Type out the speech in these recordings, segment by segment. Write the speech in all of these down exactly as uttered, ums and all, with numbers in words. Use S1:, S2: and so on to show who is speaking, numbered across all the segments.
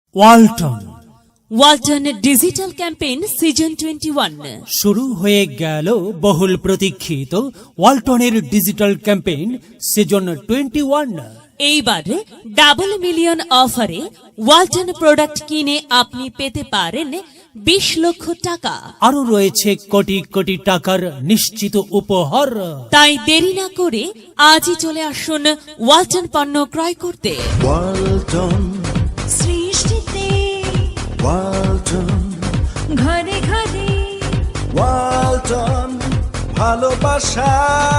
S1: Walton
S2: Walton digital campaign season twenty one
S1: শুরু হয়ে গেল বহুল প্রতীক্ষিত ওয়ালটনের digital campaign season twenty one.
S2: এইবার ডাবল মিলিয়ন অফারে ওয়ালটন প্রোডাক্ট কিনে আপনি পেতে পারেন বিশ লক্ষ টাকা।
S1: আরো রয়েছে কোটি কোটি টাকার নিশ্চিত উপহার।
S2: তাই দেরি না করে আজই চলে আসুন ওয়ালটন পণ্য ক্রয় করতে।
S3: ওয়ালটন
S4: সৃষ্টিতে
S3: ওয়ালটন
S4: ঘরে ঘরে
S3: ওয়ালটন ভালোবাসা।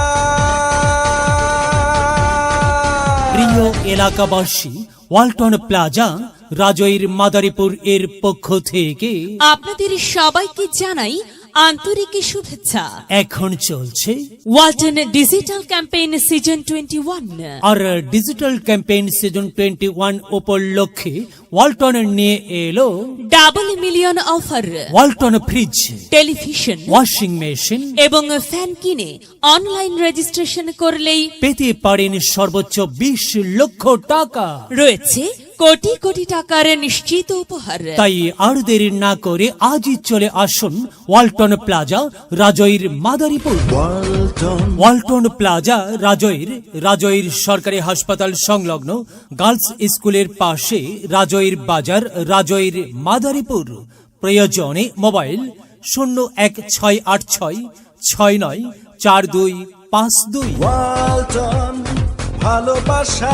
S1: প্রিয় এলাকাবাসী, ওয়ালটন প্লাজা রাজৈর মাদারীপুর এর পক্ষ থেকে
S2: আপনাদের সবাইকে জানাই আন্তরিক শুভেচ্ছা।
S1: এখন চলছে
S2: Walton digital campaign season twenty one.
S1: আর digital campaign season twenty one উপলক্ষে ওয়ালটন নিয়ে এলো
S2: double million offer.
S1: Walton fridge,
S2: television
S1: washing machine
S2: এবং ফ্যান কিনে অনলাইন রেজিস্ট্রেশন করলেই
S1: পেতে পারেন সর্বোচ্চ বিশ লক্ষ টাকা।
S2: রয়েছে কোটি কোটি টাকার নিশ্চিত উপহার।
S1: তাই আর দেরি না করে আজই চলে আসুন Walton plaza Rajoir Madaripur.
S3: Walton
S1: Walton plaza Rajoir Rajoir সরকারি হাসপাতাল সংলগ্ন গার্লস স্কুলের পাশে রাজৈর বাজার রাজৈর মাদারীপুর। প্রয়োজনে মোবাইল শূন্য এক ছয় আট ছয় ছয় নয় চার দুই পাঁচ দুই।
S3: ওয়ালটন ভালোবাসা।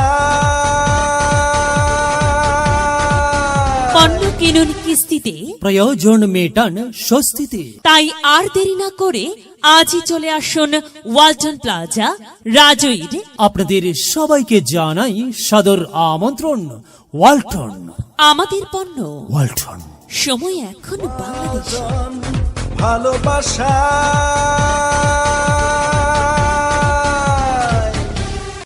S2: পণ্য কিনুন কিস্তিতে,
S1: প্রয়োজন মেটান স্বস্তিতে।
S2: তাই আর দেরি না করে আজই চলে আসুন ওয়ালটন প্লাজা রাজৈর।
S1: আপনাদের সবাইকে জানাই সাদর আমন্ত্রণ। ওয়ালটন,
S2: আমাদের পণ্য,
S1: ওয়ালটন।
S2: সময় এখন বাংলাদেশ।
S3: ভালোবাসা।